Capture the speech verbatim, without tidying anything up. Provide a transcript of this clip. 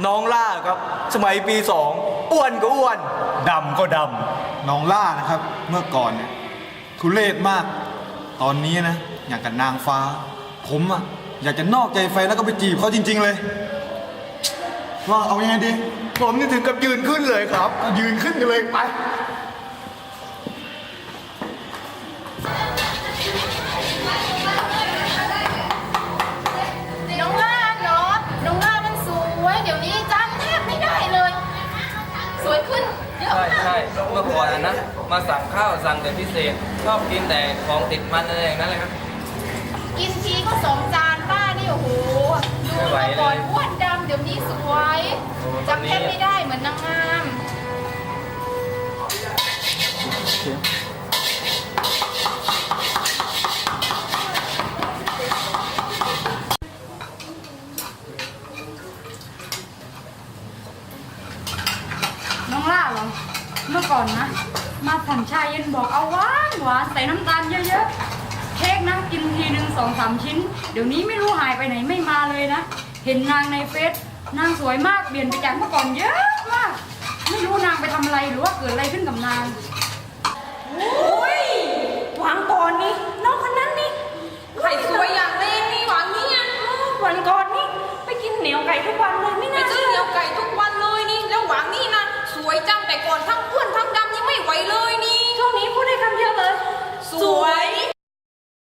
น้องล่าครับสมัยปีสองอ้วนก็อ้วนดำก็ดำน้องล่านะครับเมื่อก่อนเนี่ยทุเรศมากตอนนี้นะอย่างกับนางฟ้าผมอะอยากจะนอกใจแฟนแล้วก็ไปจีบเขาจริงๆเลยว่าเอายังไงดีผมนี่ถึงกับยืนขึ้นเลยครับยืนขึ้นกันเลยไปน้องล่าเนาะน้องล่ามันสวยเดี๋ยวนี้จำแทบไม่ได้เลย สวยขึ้นเยอะใช่มากใช่เมื่อก่อนนะมาสั่งข้าวสั่งแต่พิเศษชอบกินแต่ของติดมันอะไรอย่างนั้นเลยครับกินทีก็สองจานป้านี่โอ้โหดูเมื่อก่อนอ้วนดำเดี๋ยวนี้สวยจำแทบไม่ได้เหมือนนางงามน้องล่าเหรอเมื่อก่อนนะมาสั่งชาเย็นบอกเอาหวานหวานใส่น้ำตาลเยอะๆเค้กนะกินทีหนึ่งสองสามชิ้นเดี๋ยวนี้ไม่รู้หายไปไหนไม่มาเลยนะเห็นนางในเฟซนางสวยมากเปลี่ยนไปจากเมื่อก่อนเยอะมากไม่รู้นางไปทำอะไรหรือว่าเกิดอะไรขึ้นกับนางโอ้ยหวังก่อนนี่น้องคนนั้นนี่ไข่สวยอย่างแรงนี่หวังนี่อ่ะวันก่อนนี่ไปกินเหนียวไก่ทุกวันเลยไม่น่าไปซื้อเหนียวไก่ทุกวันเลยนี่แล้วหวังนี่นะสวยจังแต่ก่อนทั้งอ้วนทั้งดำนี่ไม่ไหวเลยนี่ช่วงนี้พูดได้คำเดียวเลยสวย